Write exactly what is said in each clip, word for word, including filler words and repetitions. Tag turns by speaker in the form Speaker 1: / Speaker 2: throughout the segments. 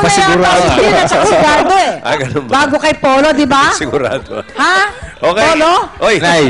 Speaker 1: nakasigurado.
Speaker 2: Si Gil at saka si Gardo eh.
Speaker 3: Ah, ganun ba?
Speaker 2: Bago kay Polo, di ba?
Speaker 3: Sigurado.
Speaker 2: Ha?
Speaker 3: Okay.
Speaker 2: Polo?
Speaker 3: Oy,
Speaker 1: Nay.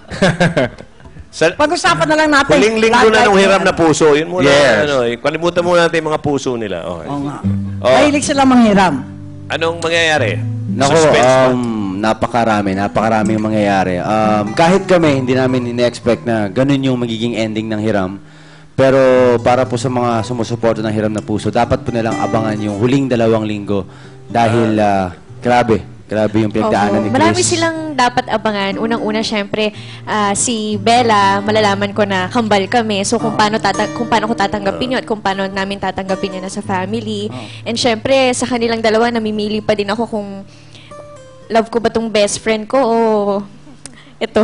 Speaker 3: sa,
Speaker 2: Pag-usapan na lang natin.
Speaker 3: huling linggo na nung hiram na puso, yun muna,
Speaker 1: Yes.
Speaker 3: ano, eh, kalimutan muna natin yung mga puso nila. Okay.
Speaker 2: Oo nga.
Speaker 3: Oh.
Speaker 2: Mahilig sila manghiram.
Speaker 3: Anong mangyayari?
Speaker 4: Nako,
Speaker 3: Suspense ba?
Speaker 4: um, napakarami, napakarami yung mangyayari. Um, kahit kami, hindi namin ine-expect na ganun yung magiging ending ng hiram. Pero para po sa mga sumusuporta ng Hiram na Puso, dapat po nilang abangan yung huling dalawang linggo. Dahil, uh, grabe, grabe yung pinagdaanan ni Chris.
Speaker 5: Marami silang dapat abangan. Unang-una, syempre, ah, si Bella, malalaman ko na kambal kami. So, kung paano, tata kung paano ko tatanggapin yun at kung paano namin tatanggapin yun na sa family. And syempre, sa kanilang dalawa, namimili pa din ako kung love ko ba tong best friend ko o ito.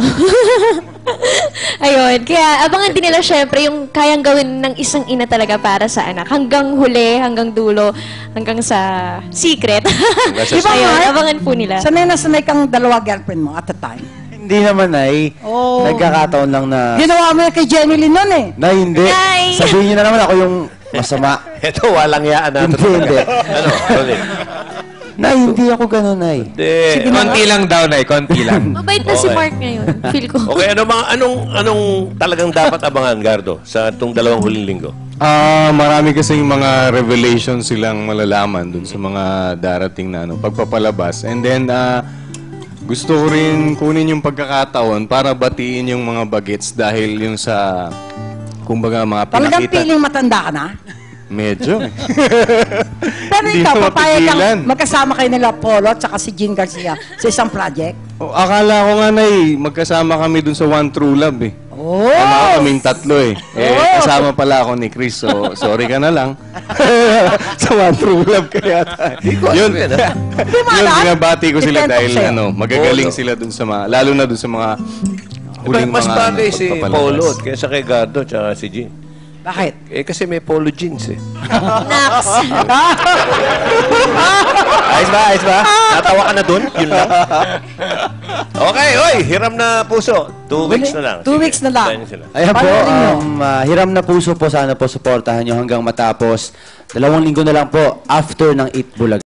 Speaker 5: Ayun. Kaya, abangan din nila syempre yung kayang gawin ng isang ina talaga para sa anak. Hanggang huli, hanggang dulo, hanggang sa secret.
Speaker 3: sa
Speaker 2: Di ba,
Speaker 5: Ayun,
Speaker 2: Mark?
Speaker 5: abangan po nila.
Speaker 2: Sanay na sanay kang dalawa girlfriend mo at the time.
Speaker 4: Hindi naman, Nay.
Speaker 2: Oh.
Speaker 4: Nagkakataon lang na...
Speaker 2: Ginawa mo yan kay Jenny Lynn nun eh.
Speaker 4: Nay, hindi.
Speaker 5: Nay!
Speaker 4: Sabihin niyo na naman ako yung masama.
Speaker 3: Ito, walang yaan natin.
Speaker 4: Hindi, hindi.
Speaker 3: Ano? Sorry.
Speaker 4: Nay, hindi ako ganun, Nay.
Speaker 3: Hindi.
Speaker 1: Konti lang daw, Nay. Konti lang.
Speaker 5: Mabait na si
Speaker 3: Okay.
Speaker 5: Mark ngayon. Feel ko.
Speaker 3: Okay, ano mga, anong, anong talagang dapat abangan, Gardo, sa itong dalawang huling linggo?
Speaker 6: Ah, marami kasing mga revelations silang malalaman dun sa mga darating na ano, pagpapalabas. And then, ah, gusto ko rin kunin yung pagkakataon para batiin yung mga bagets dahil yung sa, kumbaga, mga
Speaker 2: Talagang
Speaker 6: pinakita.
Speaker 2: feeling matanda ka na.
Speaker 6: Medyo. eh.
Speaker 2: Pero
Speaker 6: Hindi
Speaker 2: ikaw,
Speaker 6: mo
Speaker 2: papayag
Speaker 6: mapigilan.
Speaker 2: kang magkasama kayo nila Polo at saka si Jean Garcia sa isang project.
Speaker 6: O, akala ko nga na eh, magkasama kami dun sa One True Love eh.
Speaker 2: Oh!
Speaker 6: Kala kaming tatlo eh. Eh,
Speaker 2: Oh!
Speaker 6: kasama pala ako ni Chris, so sorry ka na lang. sa One True Love kaya tayo. Yun,
Speaker 2: Hindi mo
Speaker 6: yun,
Speaker 2: alam?
Speaker 6: binabati ko sila
Speaker 2: Ikwento ko
Speaker 6: dahil
Speaker 2: sa'yo.
Speaker 6: ano, magagaling sila dun sa mga, lalo na dun sa mga huling
Speaker 3: Mas
Speaker 6: mga
Speaker 3: bagay
Speaker 6: ano,
Speaker 3: si
Speaker 6: pagpapalabas.
Speaker 3: Polo kaysa kay Gardo at si Jean.
Speaker 2: Bakit?
Speaker 3: Eh, kasi may polo jeans eh.
Speaker 5: Nax.
Speaker 3: Ayos ba? Ayos ba? Natawa ka na dun? Yun lang. Okay, oy! Hiram na puso. Two weeks na lang.
Speaker 2: Two
Speaker 3: Sige,
Speaker 2: weeks na lang.
Speaker 3: tayo na sila.
Speaker 4: Ayan po,
Speaker 2: Panoorin nyo.
Speaker 4: um, ah, Hiram na Puso po, sana po supportahan nyo hanggang matapos. Dalawang linggo na lang po after ng Eat Bulag.